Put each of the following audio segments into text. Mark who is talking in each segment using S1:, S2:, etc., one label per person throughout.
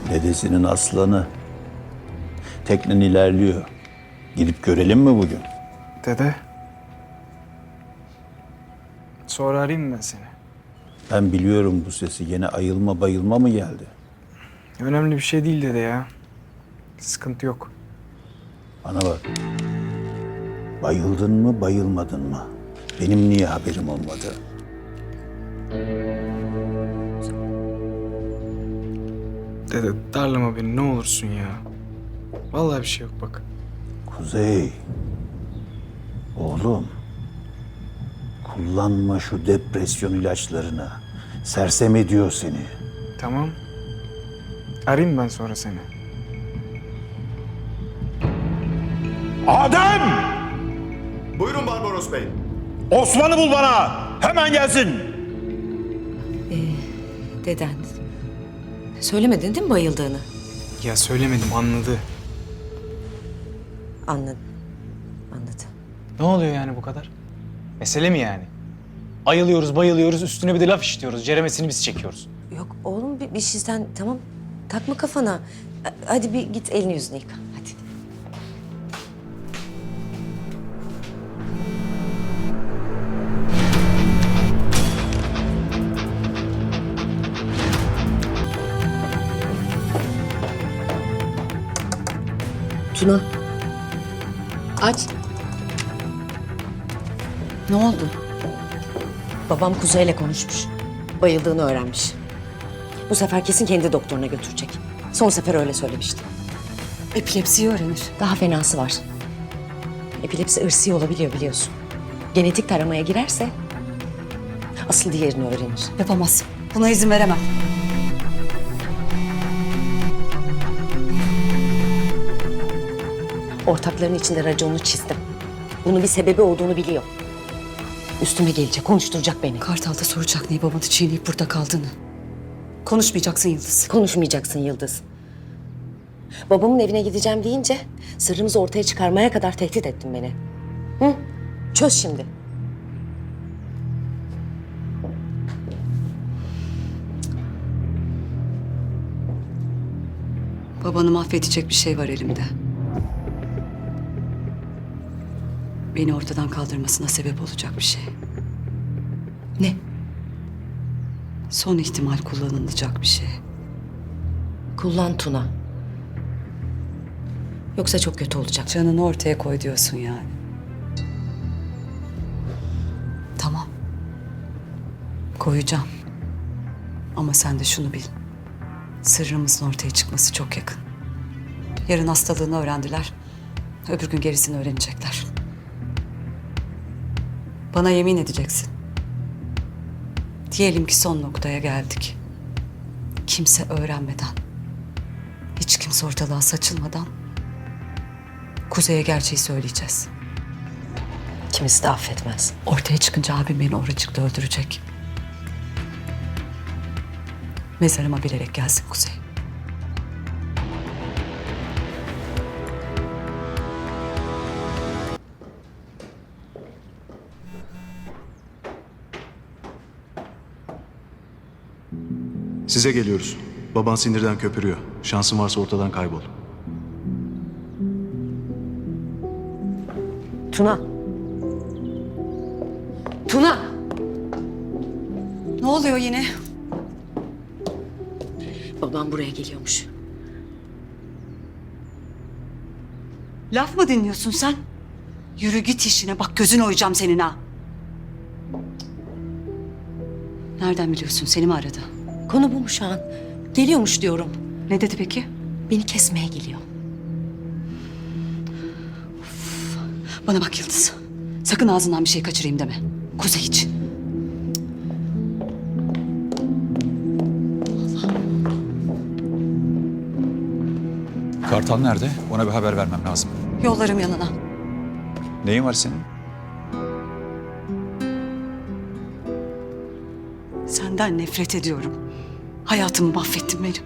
S1: Dedesinin aslanı. Teknen ilerliyor. Gidip görelim mi bugün?
S2: Dede. Sonra arayayım mı ben seni?
S1: Ben biliyorum bu sesi. Yine ayılma bayılma mı geldi?
S2: Önemli bir şey değil dede ya. Sıkıntı yok.
S1: Bana bak. Bayıldın mı bayılmadın mı? Benim niye haberim olmadı?
S2: Dede darlama beni ne olursun ya. Vallahi bir şey yok bak.
S1: Kuzey. Oğlum. Kullanma şu depresyon ilaçlarını. Sersem ediyor seni.
S2: Tamam. Arayayım ben sonra seni.
S3: Adem!
S4: Buyurun Barbaros Bey.
S3: Osman'ı bul bana! Hemen gelsin!
S5: Deden. Söylemedin değil mi bayıldığını?
S2: Ya söylemedim anladı.
S5: Anladım. Anladım.
S2: Ne oluyor yani bu kadar? Mesele mi yani? Ayılıyoruz, bayılıyoruz, üstüne bir de laf işliyoruz. Ceremesini biz çekiyoruz.
S5: Yok oğlum bir şeyden tamam. Takma kafana. Hadi bir git elini yüzünü yıka. Hadi. Tuna. Aç.
S6: Ne oldu?
S5: Babam Kuzey'le konuşmuş. Bayıldığını öğrenmiş. Bu sefer kesin kendi doktoruna götürecek. Son sefer öyle söylemişti.
S6: Epilepsiyi öğrenir.
S5: Daha fenası var. Epilepsi ırsi olabiliyor biliyorsun. Genetik taramaya girerse asıl diğerini öğrenir.
S6: Yapamaz. Buna izin veremem.
S5: Ortakların içinde raconunu çizdim. Bunun bir sebebi olduğunu biliyor. Üstüme gelecek, konuşturacak beni.
S6: Kartal'da soracak niye babanı çiğneyip burada kaldığını. Konuşmayacaksın Yıldız.
S5: Konuşmayacaksın Yıldız. Babamın evine gideceğim deyince sırrımızı ortaya çıkarmaya kadar tehdit ettin beni. Hı? Çöz şimdi.
S6: Babanı mahvedecek bir şey var elimde. Beni ortadan kaldırmasına sebep olacak bir şey.
S5: Ne?
S6: Son ihtimal kullanılacak bir şey.
S5: Kullan Tuna. Yoksa çok kötü olacak.
S6: Canını ortaya koy diyorsun yani. Tamam. Koyacağım. Ama sen de şunu bil. Sırrımızın ortaya çıkması çok yakın. Yarın hastalığını öğrendiler. Öbür gün gerisini öğrenecekler. Bana yemin edeceksin. Diyelim ki son noktaya geldik. Kimse öğrenmeden, hiç kimse ortalığa saçılmadan Kuzey'e gerçeği söyleyeceğiz.
S5: Kimisi de affetmez.
S6: Ortaya çıkınca abim beni oracıkta öldürecek. Mezarıma bilerek gelsin Kuzey.
S4: Size geliyoruz. Baban sinirden köpürüyor. Şansın varsa ortadan kaybol.
S5: Tuna. Tuna.
S6: Ne oluyor yine?
S5: Babam buraya geliyormuş.
S6: Laf mı dinliyorsun sen? Yürü git işine, bak gözün oyacağım senin ha. Nereden biliyorsun, seni mi aradı?
S5: Konu bu mu şu an? Geliyormuş diyorum.
S6: Ne dedi peki?
S5: Beni kesmeye geliyor.
S6: Bana bak Yıldız. Sakın ağzından bir şey kaçırayım deme. Kuzey için.
S7: Kartal nerede? Ona bir haber vermem lazım.
S6: Yollarım yanına.
S7: Neyin var senin?
S6: Senden nefret ediyorum. Hayatımı mahvettin benim.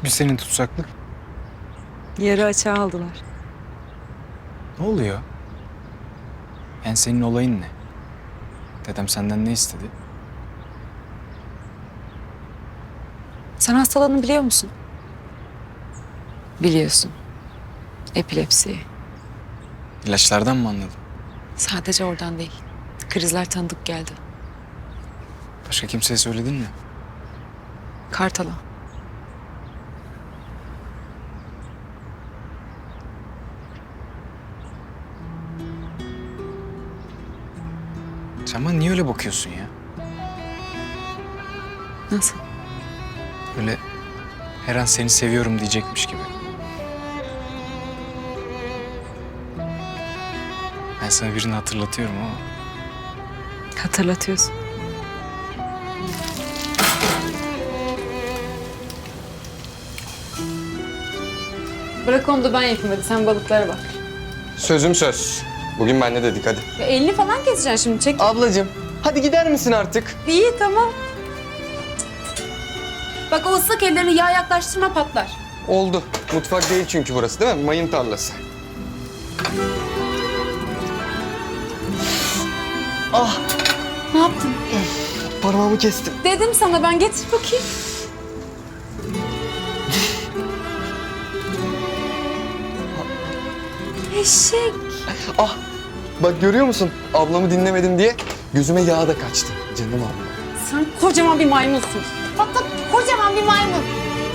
S2: bir senin tutsaklık.
S6: Yarı açığa aldılar.
S2: Ne oluyor? Yani senin olayın ne? Dedem senden ne istedi?
S6: Sen hastalığını biliyor musun? Biliyorsun. Epilepsi.
S2: İlaçlardan mı anladın?
S6: Sadece oradan değil. Krizler tanıdık geldi.
S2: Başka kimseye söyledin mi?
S6: Kartal'a.
S2: Sen bana niye öyle bakıyorsun ya?
S6: Nasıl?
S2: Öyle her an seni seviyorum diyecekmiş gibi. Ben sana birini hatırlatıyorum ama
S6: Hatırlatıyorsun.
S8: Bırak onu da ben yapayım hadi sen balıklara bak.
S9: Sözüm söz. Bugün ben ne dedik hadi.
S8: Ya elini falan keseceksin şimdi çek.
S9: Ablacığım hadi gider misin artık?
S8: İyi tamam. Bak o ıslak ellerini yağ yaklaştırma patlar.
S9: Oldu. Mutfak değil çünkü burası değil mi? Mayın tarlası.
S8: Ne yaptın?
S9: Parmağımı kestim.
S8: Dedim sana ben getir bakayım. Eşek.
S9: Ah bak görüyor musun? Ablamı dinlemedim diye gözüme yağ da kaçtı. Canım abla.
S8: Sen kocaman bir maymunsun. Bak kocaman bir maymun.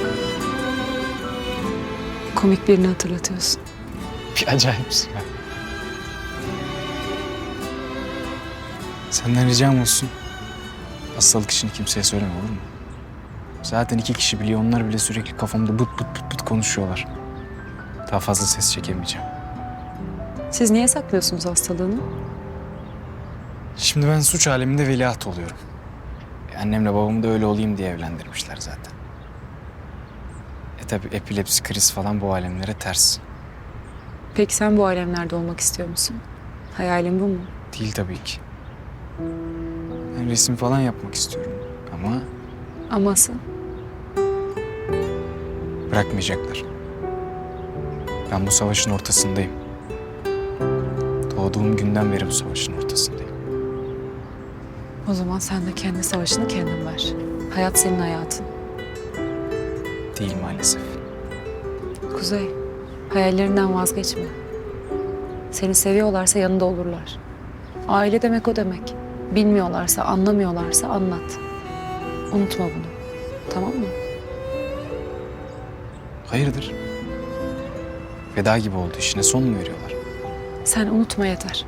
S6: Komik birini hatırlatıyorsun.
S2: bir acayipsin ya. Senden ricam olsun. Hastalık işini kimseye söyleme olur mu? Zaten 2 kişi biliyor. Onlar bile sürekli kafamda bıt bıt bıt bıt konuşuyorlar. Daha fazla ses çekemeyeceğim.
S6: Siz niye saklıyorsunuz hastalığını?
S2: Şimdi ben suç aleminde veliaht oluyorum. Annemle babamı da öyle olayım diye evlendirmişler zaten. Tabii epilepsi, kriz falan bu alemlere ters.
S6: Peki sen bu alemlerde olmak istiyor musun? Hayalin bu mu?
S2: Değil tabii ki. Ben resim falan yapmak istiyorum ama
S6: Aması?
S2: bırakmayacaklar. Ben bu savaşın ortasındayım. Doğduğum günden beri bu savaşın ortasındayım.
S6: O zaman sen de kendi savaşını kendin ver. Hayat senin hayatın.
S2: Değil maalesef.
S6: Kuzey, hayallerinden vazgeçme. Seni seviyorlarsa yanında olurlar. Aile demek o demek. Bilmiyorlarsa, anlamıyorlarsa anlat. Unutma bunu. Tamam mı?
S2: Hayırdır? Veda gibi oldu. İşine son mu veriyorlar?
S6: Sen unutma yeter.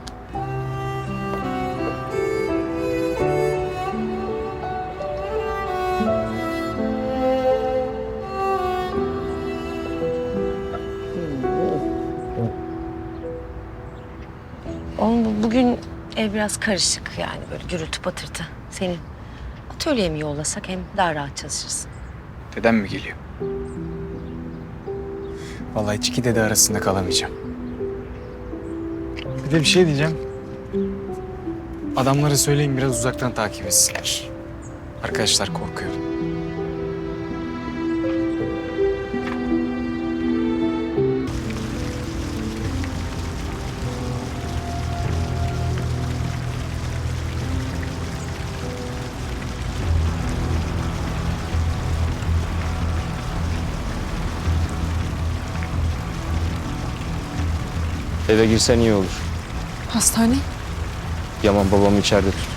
S5: Oğlum bugün ev biraz karışık yani böyle gürültü patırtı. Senin atölyeye mi yollasak hem daha rahat çalışırsın.
S2: Dedem mi geliyor? Vallahi hiç iki dede arasında kalamayacağım. Bir de bir şey diyeceğim. Adamlara söyleyin biraz uzaktan takip etsinler. Arkadaşlar korkuyor.
S9: Eve girsen iyi olur.
S6: Hastane?
S9: Yaman babamı içeride tut.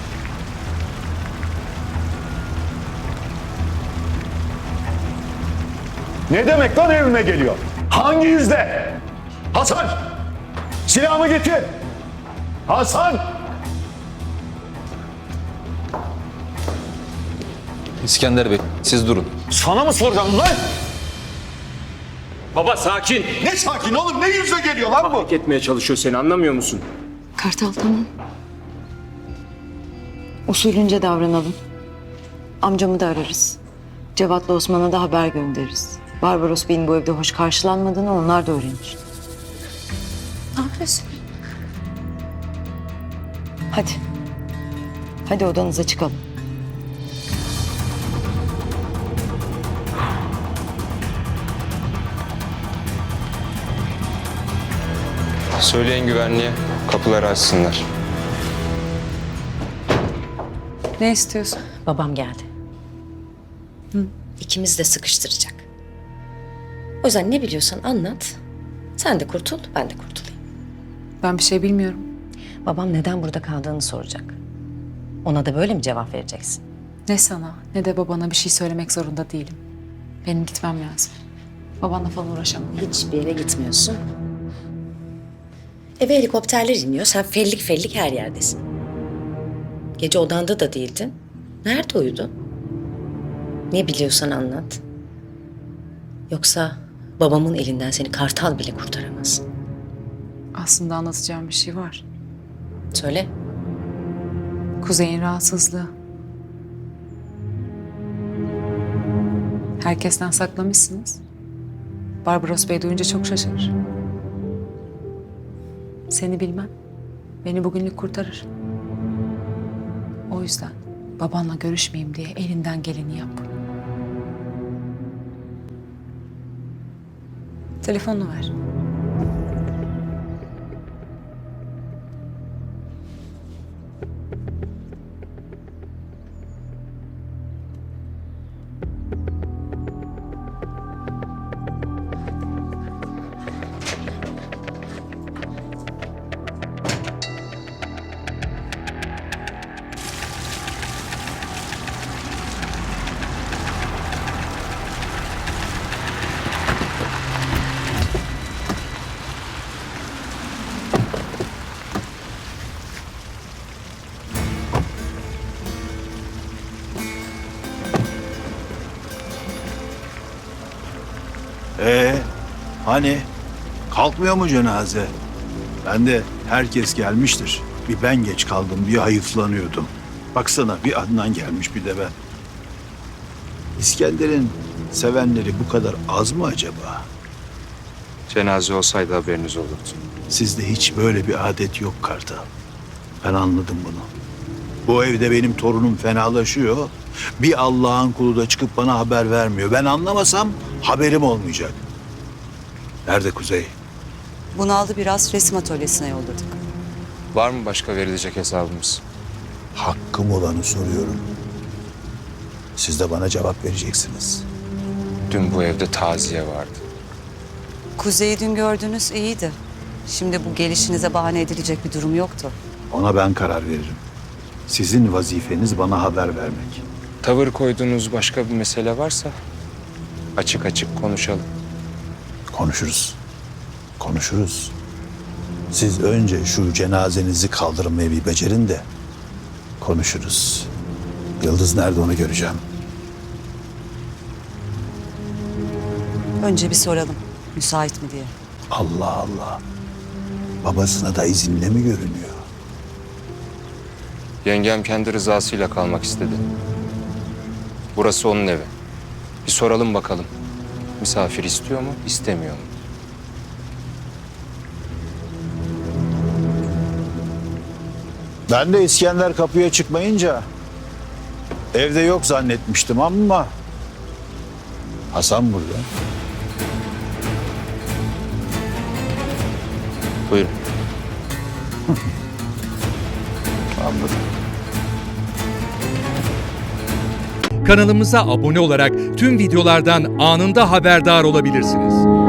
S3: Ne demek lan evime geliyor? Hangi yüzle? Hasan! Silahımı getir! Hasan!
S10: İskender Bey, siz durun.
S3: Sana mı soracağım lan?
S11: Baba sakin.
S3: Ne sakin oğlum, ne yüzle geliyor lan bu?
S11: Hak etmeye çalışıyor seni, anlamıyor musun?
S6: Kartal tamam. Usulünce davranalım. Amcamı da ararız. Cevat'la Osman'a da haber göndeririz. Barbaros Bey'in bu evde hoş karşılanmadığını onlar da öğrenir.
S8: Ne yapıyorsun?
S6: Hadi. Hadi odanıza çıkalım.
S11: Söyleyin güvenliğe, kapıları açsınlar.
S6: Ne istiyorsun?
S5: Babam geldi. İkimiz de sıkıştıracak. O yüzden ne biliyorsan anlat. Sen de kurtul, ben de kurtulayım.
S6: Ben bir şey bilmiyorum.
S5: Babam neden burada kaldığını soracak. Ona da böyle mi cevap vereceksin?
S6: Ne sana ne de babana bir şey söylemek zorunda değilim. Benim gitmem lazım. Babanla falan uğraşamam.
S5: Hiçbir yere gitmiyorsun. Eve helikopterler iniyor. Sen fellik her yerdesin. Gece odanda da değildin. Nerede uyudun? Ne biliyorsan anlat. Yoksa babamın elinden seni kartal bile kurtaramaz.
S6: Aslında anlatacağım bir şey var.
S5: Söyle.
S6: Kuzey'in rahatsızlığı. Herkesten saklamışsınız. Barbaros Bey duyunca çok şaşırır. Seni bilmem. Beni bugünlük kurtarır. O yüzden babanla görüşmeyeyim diye elinden geleni yap. Telefonunu ver.
S1: Hani kalkmıyor mu cenaze? Ben de herkes gelmiştir. Bir ben geç kaldım diye hayıflanıyordum. Baksana bir Adnan gelmiş bir de ben. İskender'in sevenleri bu kadar az mı acaba?
S11: Cenaze olsaydı haberiniz olurdu.
S1: Sizde hiç böyle bir adet yok Kartal. Ben anladım bunu. Bu evde benim torunum fenalaşıyor. Bir Allah'ın kulu da çıkıp bana haber vermiyor. Ben anlamasam haberim olmayacak. Nerede Kuzey?
S6: Bunu aldı, biraz resim atölyesine yolladık.
S11: Var mı başka verilecek hesabımız?
S1: Hakkım olanı soruyorum. Siz de bana cevap vereceksiniz.
S11: Dün bu evde taziye vardı.
S6: Kuzey'i dün gördünüz, iyiydi. Şimdi bu gelişinize bahane edilecek bir durum yoktu.
S1: Ona ben karar veririm. Sizin vazifeniz bana haber vermek.
S11: Tavır koyduğunuz başka bir mesele varsa açık açık konuşalım.
S1: Konuşuruz. Konuşuruz. Siz önce şu cenazenizi kaldırmayı bir becerin de konuşuruz. Yıldız nerede onu göreceğim.
S6: Önce bir soralım, müsait mi diye.
S1: Allah Allah. Babasına da izinle mi görünüyor?
S11: Yengem kendi rızasıyla kalmak istedi. Burası onun evi. Bir soralım bakalım. Misafir istiyor mu, istemiyor mu?
S1: Ben de İskender kapıya çıkmayınca evde yok zannetmiştim ama Hasan burada.
S11: Buyurun.
S1: Anladım.
S12: Kanalımıza abone olarak tüm videolardan anında haberdar olabilirsiniz.